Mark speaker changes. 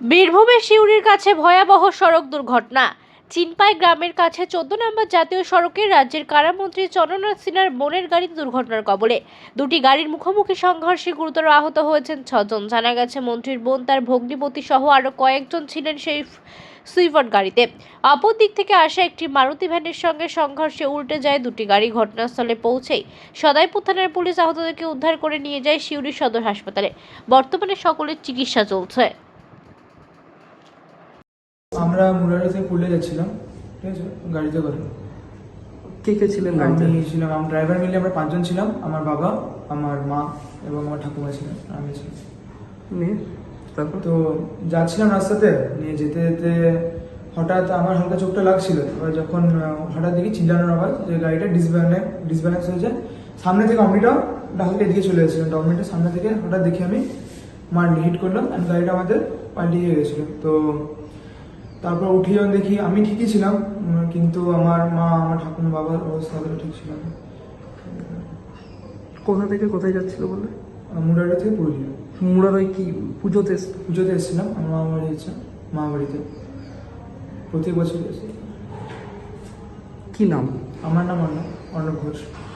Speaker 1: বীরভূমের সিউড়ির কাছে ভয়াবহ সড়ক দুর্ঘটনা। চিনপাই গ্রামের কাছে 14 নম্বর জাতীয় সড়কে রাজ্যের কারামন্ত্রী চন্দ্রনাথ সিনহার বোনের গাড়ি দুর্ঘটনার কবলে। দুটি গাড়ির মুখোমুখি সংঘর্ষে গুরুতর আহত হয়েছেন 6 জন। জানা গেছে মন্ত্রীর বোন, তার ভগ্নিপতি সহ আরো কয়েকজন ছিলেন সেই সুইফট গাড়িতে। অপর দিক থেকে আসা একটি মারুতি ভ্যানের সঙ্গে সংঘর্ষে উল্টে যায় দুটি গাড়ি। ঘটনাস্থলে পৌঁছেই সদাইপুর থানার পুলিশ আহতদেরকে উদ্ধার করে নিয়ে যায় সিউড়ি সদর হাসপাতালে। বর্তমানে সকলের চিকিৎসা চলছে।
Speaker 2: আমরা মুরারি থেকে পুরুলিয়া যাচ্ছিলাম, ঠিক আছে, গাড়িতে করে।
Speaker 3: কে কে ছিলেন গাড়িতে?
Speaker 2: আমি ছিলাম, আমার ড্রাইভার মিলে আমরা 5 জন ছিলাম। আমার বাবা, আমার মা এবং আমার ঠাকুমা ছিলেন, আমি ছিলাম।
Speaker 3: নিয়ে তারপর
Speaker 2: তো যাচ্ছিলাম রাস্তাতে, নিয়ে যেতে যেতে হঠাৎ আমার হালকা চোখটা লাগছিল। এবার যখন হঠাৎ দেখি চিল্লানোর আওয়াজ, যে গাড়িটা ডিসব্যালেন্স হয়ে যায়। সামনে থেকে অমনিটাও ডালকে এদিকে চলে এসেছিলাম। ডমিটার সামনে থেকে হঠাৎ দেখি আমি হিট করলাম, অ্যান্ড গাড়িটা আমাদের পাল্টিয়ে গেছিলো। তো তারপর উঠে যখন দেখি আমি ঠিকই ছিলাম, কিন্তু আমার মা, আমার ঠাকুমা, বাবার অবস্থা ঠিক ছিল না।
Speaker 3: কোথা থেকে কোথায় যাচ্ছিল বলে?
Speaker 2: মুরারি থেকে পুরুলিয়া।
Speaker 3: মুরারই কি পুজোতে?
Speaker 2: পুজোতে এসেছিলাম, আমার মামা বাড়ি আছে, মা বাড়িতে প্রত্যেক বছর এসে।
Speaker 3: কি নাম?
Speaker 2: আমার নাম অর্ণব ঘোষ।